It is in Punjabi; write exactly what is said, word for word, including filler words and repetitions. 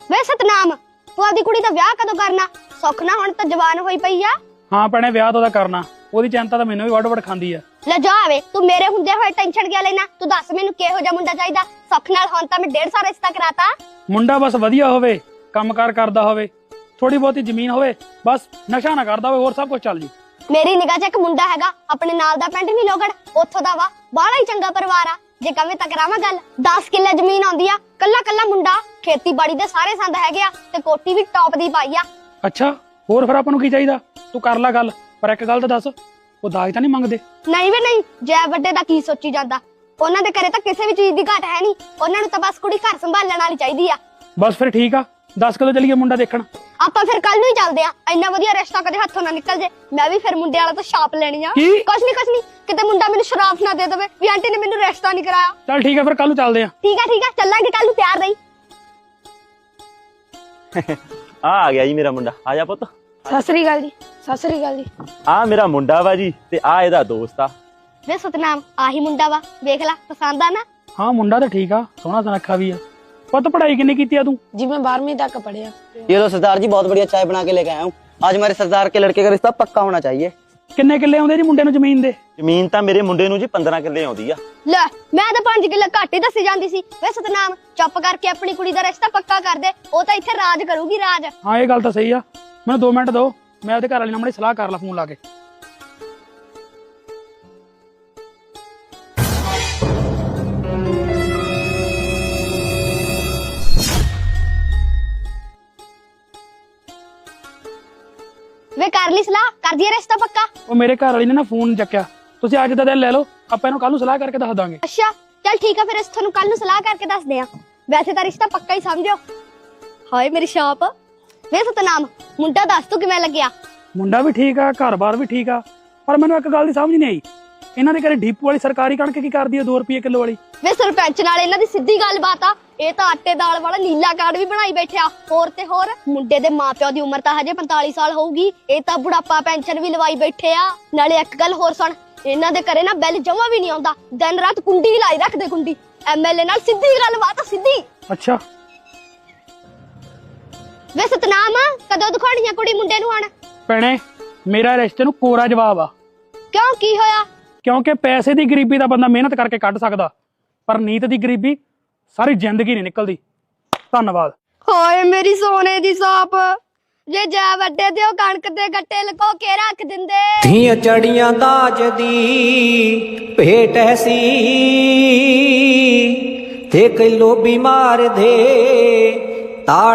ਵੇ ਸਤਨਾਮ, ਤੂੰ ਆਪਦੀ ਕੁੜੀ ਦਾ ਵਿਆਹ ਕਦੋਂ ਕਰਨਾ? ਸੁੱਖ ਨਾ ਹੁਣ ਤਾਂ ਜਵਾਨ ਹੋਈ ਪਈ ਆ। ਹਾਂ ਭੈਣੇ, ਵਿਆਹ ਤਾਂ ਉਹਦਾ ਕਰਨਾ। ਉਹਦੀ ਚਿੰਤਾ ਤਾਂ ਮੈਨੂੰ ਵੀ ਵੱਡ ਵੱਡ ਖਾਂਦੀ ਆ। ਲੈ ਜਾ ਵੇ, ਤੂੰ ਮੇਰੇ ਹੁੰਦੇ ਹੋਏ ਟੈਨਸ਼ਨ ਕਿਆ ਲੈਣਾ? ਤੂੰ ਦੱਸ ਮੈਨੂੰ ਕਿਹੋ ਜਿਹਾ ਮੁੰਡਾ ਚਾਹੀਦਾ? ਸੁੱਖ ਨਾਲ ਹੁਣ ਤਾਂ ਮੈਂ ਡੇਢ ਸਾਲ ਰਿਸ਼ਤਾ ਕਰਾਤਾ। ਮੁੰਡਾ ਬਸ ਵਧੀਆ ਹੋਵੇ, ਕੰਮਕਾਰ ਕਰਦਾ ਹੋਵੇ, ਥੋੜੀ ਬਹੁਤੀ ਜ਼ਮੀਨ ਹੋਵੇ, ਬਸ ਨਸ਼ਾ ਨਾ ਕਰਦਾ ਹੋਵੇ, ਹੋਰ ਸਭ ਕੁਝ ਚੱਲ ਜੂ। ਮੇਰੀ ਨਿਗਾਹ 'ਚ ਇੱਕ ਮੁੰਡਾ ਹੈਗਾ, ਆਪਣੇ ਨਾਲ ਦਾ ਪਿੰਡ ਨਹੀਂ ਲੋਗੜ, ਉੱਥੋਂ ਦਾ ਵਾ, ਬਾਹਲਾ ਹੀ ਚੰਗਾ ਪਰਿਵਾਰ ਆ। ਜੇ ਕਵੇਂ ਤਾਂ ਕਰਾਵਾਂ ਗੱਲ। ਦਸ ਕਿੱਲੇ ਜ਼ਮੀਨ ਆਉਂਦੀ ਆ, ਕੱਲਾ ਕੱਲਾ ਮੁੰਡਾ, ਖੇਤੀਬਾੜੀ ਦੇ ਸਾਰੇ ਸੰਦ ਹੈਗੇ ਆ ਤੇ ਕੋਠੀ ਵੀ ਟੌਪ ਦੀ ਪਾਈ ਆ। ਅੱਛਾ, ਹੋਰ ਫਿਰ ਆਪਾਂ ਨੂੰ ਕੀ ਚਾਹੀਦਾ? ਤੂੰ ਕਰ ਲੈ ਗੱਲ, ਪਰ ਇੱਕ ਗੱਲ ਤਾਂ ਦੱਸ, ਉਹ ਦਾਜ ਤਾਂ ਨਹੀਂ ਮੰਗਦੇ? ਨਹੀਂ ਵੇ ਨਹੀਂ, ਜੈ ਵੱਡੇ ਦਾ ਕੀ ਸੋਚੀ ਜਾਂਦਾ? ਉਹਨਾਂ ਦੇ ਘਰੇ ਤਾਂ ਕਿਸੇ ਵੀ ਚੀਜ਼ ਦੀ ਘਾਟ ਹੈ ਨਹੀਂ, ਉਹਨਾਂ ਨੂੰ ਤਾਂ ਬਸ ਕੁੜੀ ਘਰ ਸੰਭਾਲਣ ਵਾਲੀ ਚਾਹੀਦੀ ਆ। ਬਸ ਫਿਰ ਠੀਕ ਆ, ਦੱਸ ਕਦੋਂ ਚੱਲੀਏ ਮੁੰਡਾ ਦੇਖਣ? ਆਪਾਂ ਫਿਰ ਕੱਲ ਨੂੰ ਹੀ ਚੱਲਦੇ ਆ। ਇੰਨਾ ਵਧੀਆ ਰਿਸ਼ਤਾ ਕਦੇ ਹੱਥੋਂ ਨਾ ਨਿਕਲ ਜੇ। ਮੈਂ ਵੀ ਫਿਰ ਮੁੰਡੇ ਵਾਲਾ ਤੋਂ ਛਾਪ ਲੈਣੀ ਆ। ਕੀ? ਕੁਛ ਨਹੀਂ ਕੁਛ ਨਹੀਂ, ਕਿਤੇ ਮੁੰਡਾ ਮੈਨੂੰ ਸ਼ਰਾਫ ਨਾ ਦੇ ਦੇਵੇ ਵੀ ਆਂਟੀ ਨੇ ਮੈਨੂੰ ਰਿਸ਼ਤਾ ਨਹੀਂ ਕਰਾਇਆ। ਚੱਲ ਠੀਕ ਆ, ਫਿਰ ਕੱਲ ਨੂੰ ਚੱਲਦੇ ਆ। ਠੀਕ ਆ ਠੀਕ ਆ, ਚੱਲਾਂਗੇ ਕੱਲ ਨੂੰ, ਤਿਆਰ ਰਹੀ। ਆ ਆ ਗਿਆ ਜੀ ਮੇਰਾ ਮੁੰਡਾ। ਆ ਜਾ ਪੁੱਤ। ਸਤਿ ਸ੍ਰੀ ਅਕਾਲ ਜੀ। ਸਤਿ ਸ੍ਰੀ ਅਕਾਲ ਜੀ। ਆ ਮੇਰਾ ਮੁੰਡਾ ਵਾ ਜੀ, ਤੇ ਆ ਇਹਦਾ ਦੋਸਤ ਆ। ਵੇ ਸਤਨਾਮ, ਆਹੀ ਮੁੰਡਾ ਵਾ, ਵੇਖ ਲੈ, ਪਸੰਦ ਆ ਨਾ? ਹਾਂ, ਮੁੰਡਾ ਤਾਂ ਠੀਕ ਆ, ਸੋਹਣਾ ਸੁਨੱਖਾ ਵੀ ਆ। ਪੁੱਤ पढ़ाई कितनी की तू? जी मैं बारहवीं तक पढ़िया। ये लो सरदार जी, बहुत बढ़िया चाय बना के लेके आया हूँ। आज हमारे सरदार के लड़के का रिश्ता पक्का होना चाहिए। किन्ने किले आउंदे जी मुंडे नूं ਜ਼ਮੀਨ ਦੇ? ਜ਼ਮੀਨ ਤਾਂ ਮੇਰੇ ਮੁੰਡੇ ਨੂੰ ਜੀ ਪੰਦਰਾਂ ਕਿੱਲੇ ਆਉਂਦੀ ਆ। ਲੈ, ਮੈਂ ਤਾਂ ਪੰਜ ਕਿੱਲੇ ਘੱਟ ਹੀ ਦੱਸੀ ਜਾਂਦੀ ਸੀ। ਵੇ ਸਤਨਾਮ, ਚੁੱਪ ਕਰਕੇ ਆਪਣੀ ਕੁੜੀ ਦਾ ਰਿਸ਼ਤਾ ਪੱਕਾ ਕਰ ਦੇ, ਉਹ ਤਾਂ ਇੱਥੇ ਰਾਜ ਕਰੂਗੀ, ਰਾਜ। ਹਾਂ, ਇਹ ਗੱਲ ਤਾਂ ਸਹੀ ਆ। ਮੈਨੂੰ ਦੋ ਮਿੰਟ ਦਿਓ, ਮੈਂ ਉਹਦੇ ਘਰ ਵਾਲੀ ਨਾਲ ਮਾੜੀ ਸਲਾਹ ਕਰ ਲਾ ਫੋਨ ਲਾ ਕੇ। ਵੇ ਕਰ ਲਈ ਸਲਾਹ, ਕਰ ਦਈਏ ਰਿਸ਼ਤਾ ਪੱਕਾ? ਉਹ ਮੇਰੇ ਘਰ ਵਾਲੀ ਨੇ ਨਾ ਫੋਨ ਨੀ ਚੱਕਿਆ। ਤੁਸੀਂ ਅੱਜ ਦਾ ਦਿਨ ਲੈ ਲਓ, ਆਪਾਂ ਇਹਨੂੰ ਕੱਲ ਨੂੰ ਸਲਾਹ ਕਰਕੇ ਦੱਸ ਦਾਂਗੇ। ਅੱਛਾ ਚੱਲ ਠੀਕ ਆ, ਫਿਰ ਇਸ ਤੁਹਾਨੂੰ ਕੱਲ ਨੂੰ ਸਲਾਹ ਕਰਕੇ ਦੱਸਦੇ ਆ। ਵੈਸੇ ਤਾਂ ਰਿਸ਼ਤਾ ਪੱਕਾ ਹੀ ਸਮਝੋ। ਹਾਏ ਮੇਰੀ ਸ਼ਾਪ। ਵੇ ਸਤਨਾਮ, ਮੁੰਡਾ ਦੱਸ ਤੂੰ ਕਿਵੇਂ ਲੱਗਿਆ? ਮੁੰਡਾ ਵੀ ਠੀਕ ਆ, ਘਰ-ਬਾਰ ਵੀ ਠੀਕ ਆ, ਪਰ ਮੈਨੂੰ ਇੱਕ ਗੱਲ ਦੀ ਸਮਝ ਨਹੀਂ ਆਈ, ਇਹਨਾਂ ਦੇ ਘਰੇ ਡੀਪੂ ਵਾਲੀ ਸਰਕਾਰੀ ਕਣਕ ਕੀ ਕਰਦੀ ਆ ਦੋ ਰੁਪਏ ਕਿਲੋ ਵਾਲੀ? ਵੇ ਸਰਪੰਚ ਨਾਲ ਇਹਨਾਂ ਦੀ ਸਿੱਧੀ ਗੱਲਬਾਤ ਆ। ਇਹ ਤਾਂ ਆਟੇ ਦਾਲ ਵਾਲਾ ਨੀਲਾ ਕਾਰਡ ਵੀ ਬਣਾਈ ਬੈਠਿਆ। ਹੋਰ ਤੇ ਹੋਰ, ਮੁੰਡੇ ਦੇ ਮਾਪਿਆਂ ਦੀ ਉਮਰ ਤਾਂ ਹਜੇ ਪੰਤਾਲੀ ਸਾਲ ਹੋਊਗੀ, ਇਹ ਤਾਂ ਬੁਢਾਪਾ ਪੈਨਸ਼ਨ ਵੀ ਲਵਾਈ ਬੈਠੇ ਆ। ਨਾਲੇ ਇੱਕ ਗੱਲ ਹੋਰ ਸੁਣ, ਇਹਨਾਂ ਦੇ ਘਰੇ ਨਾ ਬਿੱਲ ਜਮਾ ਵੀ ਨਹੀਂ ਆਉਂਦਾ, ਦਿਨ ਰਾਤ ਕੁੰਡੀ ਲਾਈ ਰੱਖਦੇ, ਕੁੰਡੀ। ਐਮਐਲਏ ਨਾਲ ਸਿੱਧੀ ਗੱਲਬਾਤ ਆ, ਸਿੱਧੀ। ਅੱਛਾ ਵੇ ਸਤਨਾਮ, ਕਦੋਂ ਦਿਖਾਉਣੀ ਆ ਕੁੜੀ ਮੁੰਡੇ ਨੂੰ ਹੁਣ? ਭੈਣੇ, ਮੇਰਾ ਰਿਸ਼ਤੇ ਨੂੰ ਕੋਰਾ ਜਵਾਬ ਆ। ਕਿਉਂ, ਕੀ ਹੋਇਆ? ਕਿਉਂਕਿ ਪੈਸੇ ਦੀ ਗਰੀਬੀ ਦਾ ਬੰਦਾ ਮਿਹਨਤ ਕਰਕੇ ਕੱਢ ਸਕਦਾ, ਪਰ ਨੀਤ ਦੀ ਗਰੀਬੀ ਸਾਰੀ ਜ਼ਿੰਦਗੀ ਨਹੀਂ ਨਿਕਲਦੀ। ਧੰਨਵਾਦ। ਹਾਏ ਮੇਰੀ ਸੋਨੇ ਦੀ ਸਾਪ, ਜੇ ਜਾ ਵੱਡੇ ਤੇ ਉਹ ਕਣਕ ਦੇ ਗੱਟੇ ਲਕੋ ਕੇ ਰੱਖ ਦਿੰਦੇ। ਧੀਆਂ ਚੜੀਆਂ ਦਾਜ ਦੀ ਭੇਟ ਐਸੀ, ਤੇ ਕਈ ਲੋਭੀ ਮਾਰ ਦੇ ਤਾ